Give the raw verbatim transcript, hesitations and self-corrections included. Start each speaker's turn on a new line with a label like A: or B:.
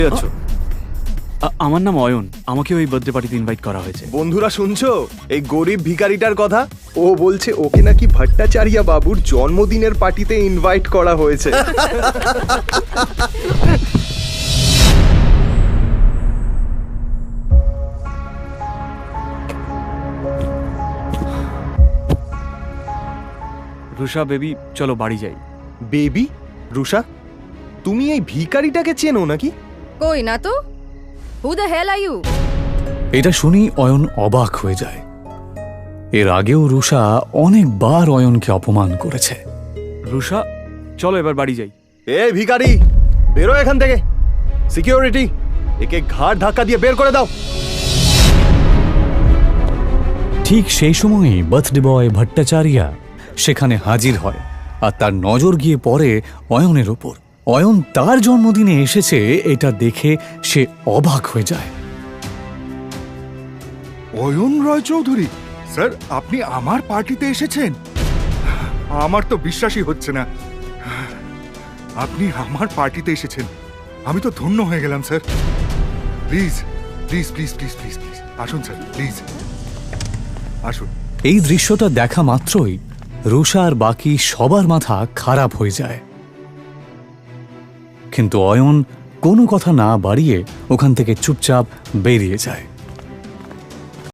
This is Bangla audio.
A: আছো? আমার নাম অয়ন, আমাকে ওই বার্থডে পার্টিতে ইনভাইট করা হয়েছে।
B: বন্ধুরা শুনছো এই গরিব ভিখারিটার কথা? ও বলছে ওকে নাকি ভট্টাচার্য বাবুর জন্মদিনের পার্টিতে ইনভাইট করা হয়েছে।
A: রুষা বেবি, চলো বাড়ি যাই।
B: বেবি? রুষা, তুমি এই ভিখারিটাকে চেনো নাকি?
C: কই না তো। Who the hell are you?
D: এটা শুনি অয়ন অবাক হয়ে যায়। এর আগেও রুষা অনেকবার অয়নকে অপমান করেছে।
A: রুষা, চলো এবার বাড়ি যাই।
B: এ ভিখারি, বেরো এখান থেকে। সিকিউরিটি, একে ঘাড় ধাক্কা দিয়ে বের করে দাও।
D: ঠিক সেই সময়ই বার্থডে বয় ভট্টাচার্য সেখানে হাজির হয়, আর তার নজর গিয়ে পড়ে অয়নের ওপর। অয়ন তার জন্মদিনে এসেছে এটা দেখে সে অবাক হয়ে যায়।
E: অয়ন রয় চৌধুরী স্যার, আপনি আমার পার্টিতে এসেছেন? আমার তো বিশ্বাসই হচ্ছে না। আপনি আমার পার্টিতে এসেছেন, আমি তো ধন্য হয়ে গেলাম sir. Please please please please please please আসুন স্যার, প্লিজ আসুন।
D: এই দৃশ্যটা দেখা মাত্রই রুষা আর বাকি সবার মাথা খারাপ হয়ে যায়, কিন্তু অয়ন কোনো কথা না বাড়িয়ে ওখান থেকে চুপচাপ বেরিয়ে যায়।